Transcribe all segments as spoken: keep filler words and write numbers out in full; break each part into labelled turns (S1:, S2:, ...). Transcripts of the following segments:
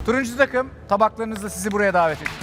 S1: Turuncu takım tabaklarınızla sizi buraya davet ediyor.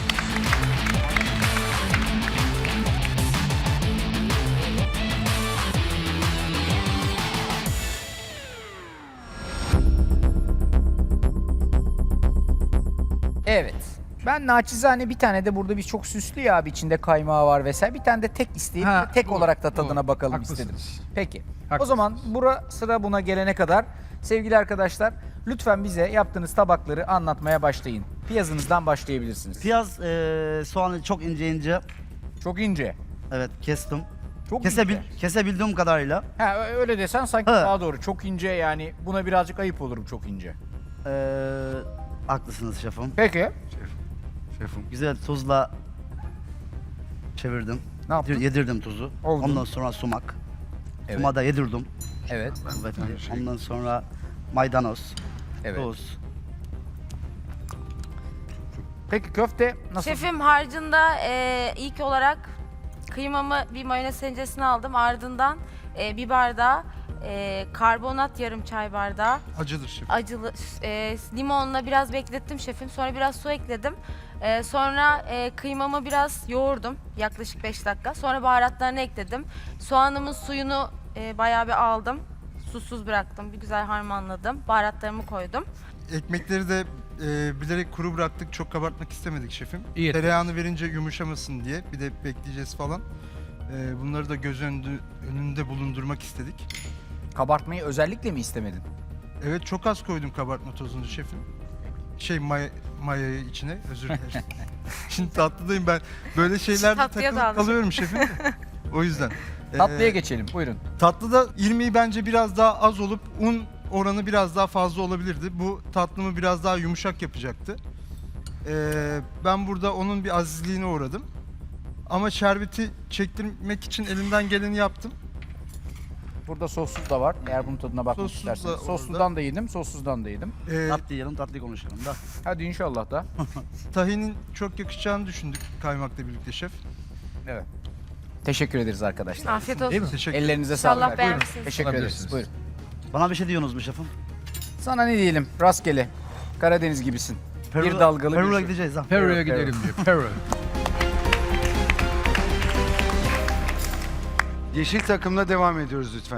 S1: Evet. Ben naçizane bir tane de burada bir çok süslü ya abi içinde kaymağı var vesaire. Bir tane de tek isteyip
S2: Ha,
S1: tek
S2: doğru,
S1: olarak da tadına
S2: doğru.
S1: bakalım
S2: Haklısınız.
S1: istedim. Peki. O
S2: Haklısınız.
S1: zaman bura sıra buna gelene kadar sevgili arkadaşlar lütfen bize yaptığınız tabakları anlatmaya başlayın. Piyazınızdan başlayabilirsiniz.
S3: Piyaz, e, soğanı çok ince ince,
S1: Çok ince.
S3: evet kestim.
S1: Çok
S3: Kesebil,
S1: ince.
S3: kesebildiğim kadarıyla.
S1: Ha öyle desen sanki
S3: Ha.
S1: daha doğru. Çok ince yani buna birazcık ayıp olurum çok ince.
S3: E, haklısınız şefim.
S1: Peki.
S2: Şefim.
S3: Güzel tuzla çevirdim.
S1: Ne yaptın?
S3: Yedirdim tuzu.
S1: Oldu.
S3: Ondan sonra sumak.
S1: Evet.
S3: Suma da yedirdim.
S1: Evet.
S3: Evet.
S2: aynı şey.
S3: Ondan sonra maydanoz,
S1: Evet.
S3: tuz.
S1: Peki köfte nasıl?
S4: Şefim harcında e, ilk olarak kıymamı bir mayonez tenceresine aldım. Ardından e, bir bardağı e, karbonat yarım çay bardağı.
S2: Acıdır şefim.
S4: Acılı e, limonla biraz beklettim şefim. Sonra biraz su ekledim. E, sonra e, kıymamı biraz yoğurdum yaklaşık beş dakika. Sonra baharatlarını ekledim. Soğanımın suyunu e, bayağı bir aldım. Susuz bıraktım. Bir güzel harmanladım. Baharatlarımı koydum.
S5: Ekmekleri de e, bilerek kuru bıraktık. Çok kabartmak istemedik şefim.
S2: İyi ettiniz.
S5: Tereyağını verince yumuşamasın diye. Bir de bekleyeceğiz falan. E, bunları da göz önünde, önünde bulundurmak istedik.
S1: Kabartmayı özellikle mi istemedin?
S5: Evet çok az koydum kabartma tozunu şefim. Şey maya, mayayı içine özür dilerim. Şimdi tatlıdayım ben. Böyle şeylerde
S4: Tatlıya
S5: takılıp
S4: daldım.
S5: kalıyorum şefim. O yüzden.
S1: Tatlıya
S5: E,
S1: geçelim. Buyurun.
S5: Tatlıda irmiği bence biraz daha az olup un oranı biraz daha fazla olabilirdi. Bu tatlımı biraz daha yumuşak yapacaktı. Ee, ben burada onun bir azizliğine uğradım. Ama şerbeti çektirmek için elimden geleni yaptım.
S1: Burada sossuz da var. Eğer bunun tadına bakmak
S5: Sossuz da
S1: isterseniz.
S5: orada.
S1: Sossuzdan da yedim, sossuzdan da yedim.
S5: Ee,
S3: Tatlı yiyelim, tatlı konuşalım da.
S1: Hadi inşallah da.
S5: tahinin çok yakışacağını düşündük kaymakla birlikte şef.
S1: Evet. Teşekkür ederiz arkadaşlar.
S4: Afiyet olsun.
S5: Teşekkür
S1: Ellerinize sağlık.
S4: İnşallah
S1: Buyurun.
S4: beğenmişsiniz.
S1: Teşekkür ederiz.
S2: Alabilirsiniz.
S1: Buyurun.
S3: Bana bir şey diyorsunuz mu şefim?
S1: Sana ne diyelim? Rastgele. Karadeniz gibisin. bir dalgalı
S3: Peru'ya
S1: bir şey.
S3: gideceğiz ha.
S2: Peru'ya
S1: Peru, Peru.
S2: gidelim diyor. Peru.
S6: Yeşil takımla devam ediyoruz lütfen.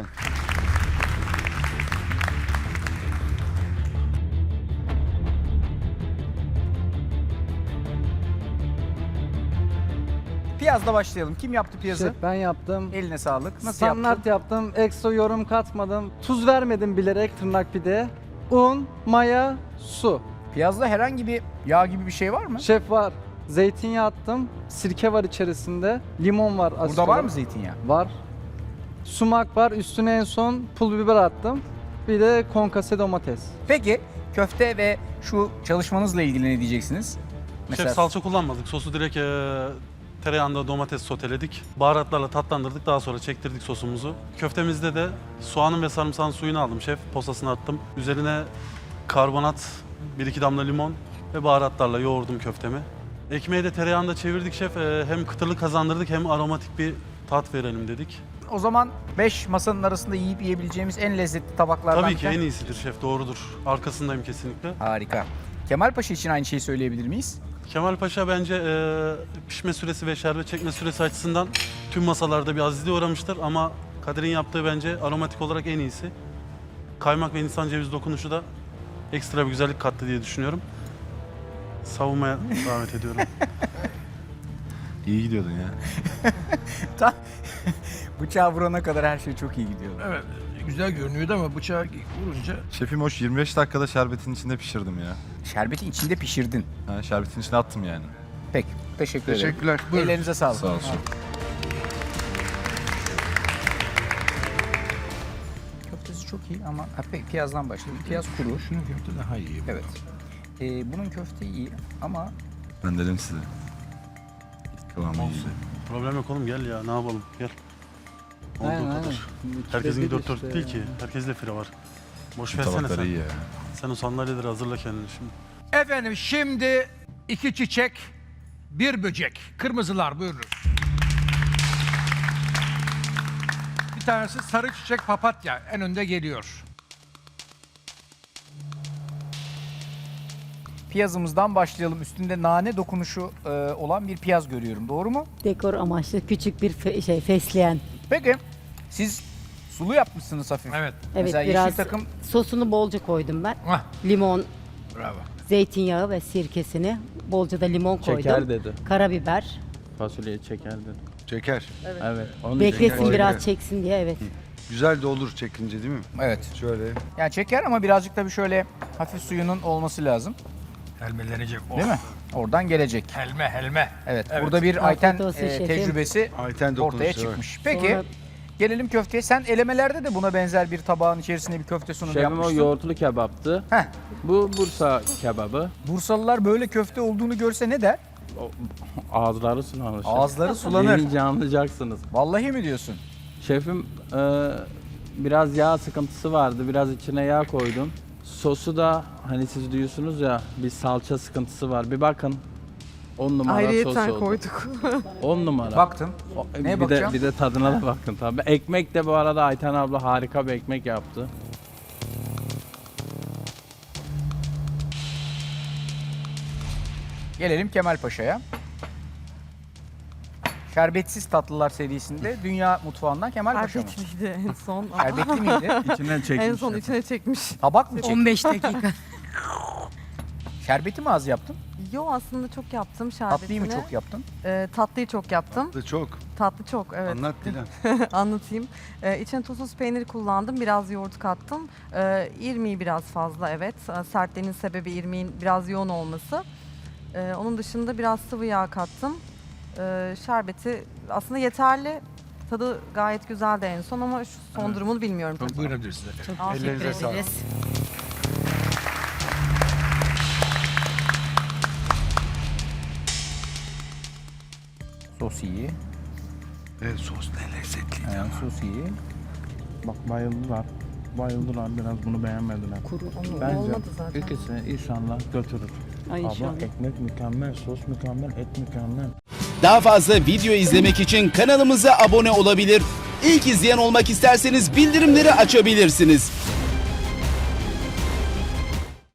S1: Piyazla başlayalım. Kim yaptı piyazı?
S7: Şef ben yaptım.
S1: Eline sağlık. Nasıl
S7: Standart
S1: yaptın?
S7: yaptım. Ekstra yorum katmadım. Tuz vermedim bilerek tırnak pide. Un, maya, su.
S1: Piyazda herhangi bir yağ gibi bir şey var mı?
S7: Şef var. Zeytinyağı attım. Sirke var içerisinde. Limon var. asit
S1: Burada var
S7: olarak.
S1: mı zeytinyağı?
S7: Var. Sumak var. Üstüne en son pul biber attım. Bir de konkase domates.
S1: Peki köfte ve şu çalışmanızla ilgili ne diyeceksiniz?
S8: Şef salça kullanmadık. Sosu direkt e, tereyağında domates soteledik. Baharatlarla tatlandırdık. Daha sonra çektirdik sosumuzu. Köftemizde de soğanın ve sarımsağın suyunu aldım şef. Posasını attım. Üzerine karbonat, bir iki damla limon ve baharatlarla yoğurdum köftemi. Ekmeği de tereyağında çevirdik şef. E, hem kıtırlık kazandırdık hem aromatik bir tat verelim dedik.
S1: O zaman beş masanın arasında yiyip yiyebileceğimiz en lezzetli tabaklardan
S8: Tabii
S1: bir
S8: ki
S1: tane-
S8: en iyisidir şef, doğrudur. Arkasındayım kesinlikle.
S1: Harika. Kemal Paşa için aynı şeyi söyleyebilir miyiz?
S8: Kemal Paşa bence e, pişme süresi ve şerbet çekme süresi açısından tüm masalarda bir azizliğe uğramıştır ama Kadir'in yaptığı bence aromatik olarak en iyisi. Kaymak ve Hindistan cevizi dokunuşu da ekstra bir güzellik kattı diye düşünüyorum. Savunmaya davet ediyorum.
S9: İyi gidiyordun ya.
S1: Bıçağı vurana kadar her şey çok iyi gidiyordu.
S2: Evet, güzel görünüyordu ama bıçağı vurunca
S9: Şefim hoş yirmi beş dakikada şerbetin içinde pişirdim ya.
S1: Şerbeti içinde pişirdin.
S9: Ha, şerbetin içine attım yani.
S1: Peki. Teşekkür ederim.
S6: Teşekkürler.
S1: Ellerinize sağlık.
S9: Sağ olsun.
S1: Köftesi çok iyi ama ha, peki piyazdan başlayalım. Piyaz kuru.
S2: şunun köfte daha iyi.
S1: Evet. Ee, bunun köfte iyi ama
S9: Ben dedim size. Kıvamı iyi.
S8: Problem yok oğlum, gel ya, ne yapalım, gel. Olduğu
S7: Aynen, aynen.
S8: kadar.
S7: Şimdi
S8: Herkesin
S7: ikide bir
S8: dört dört
S7: işte
S8: değil
S7: ya.
S8: ki. Herkeste fire var. Boş
S9: Bu
S8: versene
S9: tabakları
S8: sen.
S9: iyi ya.
S8: Sen o sandalyeleri hazırla kendini şimdi.
S2: Efendim şimdi iki çiçek, bir böcek. Kırmızılar buyurun. Bir tanesi sarı çiçek papatya en önde geliyor.
S1: piyazımızdan başlayalım. Üstünde nane dokunuşu e, olan bir piyaz görüyorum. Doğru mu?
S10: Dekor amaçlı küçük bir fe- şey fesleğen.
S1: Peki siz sulu yapmışsınız hafif.
S2: Evet.
S10: Evet,
S1: Mesela
S10: biraz
S1: yeşil takım
S10: sosunu bolca koydum ben.
S2: Hah,
S10: Limon,
S2: bravo.
S10: zeytinyağı ve sirkesini. Bolca da limon koydum.
S11: Çeker dedi.
S10: Karabiber.
S11: Fasulyeyi çeker dedi.
S6: Çeker.
S11: Evet. Onun
S10: Beklesin
S6: Öyle.
S10: biraz çeksin diye, evet.
S6: Güzel de olur çekince değil mi?
S1: evet.
S6: Şöyle.
S1: Yani çeker ama birazcık da bir şöyle hafif suyunun olması lazım.
S2: Helmelenecek. Oh.
S1: Değil mi? Oradan gelecek.
S2: Helme helme.
S1: Evet.
S2: Evet.
S1: Burada bir
S10: Afiyet
S1: Ayten
S10: olsun
S1: e,
S10: şefim.
S1: tecrübesi
S6: Ayten
S1: ortaya
S6: dokunuşu,
S1: çıkmış. Peki
S10: Sonra-
S1: gelelim köfteye. Sen elemelerde de buna benzer bir tabağın içerisine bir köfte sunumu
S11: Şefim o
S1: yapmıştın.
S11: yoğurtlu kebaptı.
S1: Heh.
S11: Bu Bursa kebabı.
S1: Bursalılar böyle köfte olduğunu görse ne der?
S11: O- Ağızları sulanır. şef.
S1: Ağızları sulanır.
S11: Yiyince anlayacaksınız.
S1: Vallahi mi diyorsun?
S11: Şefim e, biraz yağ sıkıntısı vardı. Biraz içine yağ koydum. Sosu da hani siz diyorsunuz ya bir salça sıkıntısı var. Bir bakın. on numara sos oldu.
S12: koyduk.
S11: on numara.
S1: Baktım.
S11: O-
S1: Neye
S11: bir
S1: bakacağım?
S11: de bir de tadına da bakın tabii. Ekmek de bu arada Ayten abla harika bir ekmek yaptı.
S1: Gelelim Kemal Paşa'ya. Şerbetsiz tatlılar serisinde Dünya Mutfağı'ndan Kemal Paşa mı?
S12: Şerbetliydi en son.
S1: Şerbetli miydi?
S11: İçinden çekmiş.
S12: En son içine çekmiş.
S1: Tabak mı çekti?
S10: on beş dakika.
S1: Şerbeti mi az yaptın?
S12: Yo, aslında çok yaptım şerbetini.
S1: Tatlıyı mı çok yaptın?
S12: Ee, tatlıyı çok yaptım.
S6: Da çok.
S12: Tatlı çok, evet.
S6: Anlat Dilan.
S12: Anlatayım. Ee, içine tuzsuz peynir kullandım. Biraz yoğurt kattım. Ee, irmiği biraz fazla, evet. Ee, sertliğinin sebebi irmiğin biraz yoğun olması. Ee, onun dışında biraz sıvı yağ kattım. Ee, şerbeti aslında yeterli. Tadı gayet güzeldi en son ama şu son
S2: Evet.
S12: durumunu bilmiyorum. tabii.
S2: Buyurabilirsiniz efendim.
S10: Çok teşekkür
S6: Ellerinize sağlık.
S10: ederiz.
S1: Sos iyi.
S6: Evet sos ne lezzetli.
S1: Yani sos iyi.
S11: Bak bayıldılar. Bayıldılar biraz bunu beğenmediler.
S10: Kuru.
S12: Onu-
S11: Bence
S12: olmadı zaten.
S11: ikisini inşallah götürür.
S10: Ay
S11: Abla
S10: inşallah.
S11: ekmek mükemmel, sos mükemmel, et mükemmel.
S13: Daha fazla video izlemek için kanalımıza abone olabilir. İlk izleyen olmak isterseniz bildirimleri açabilirsiniz.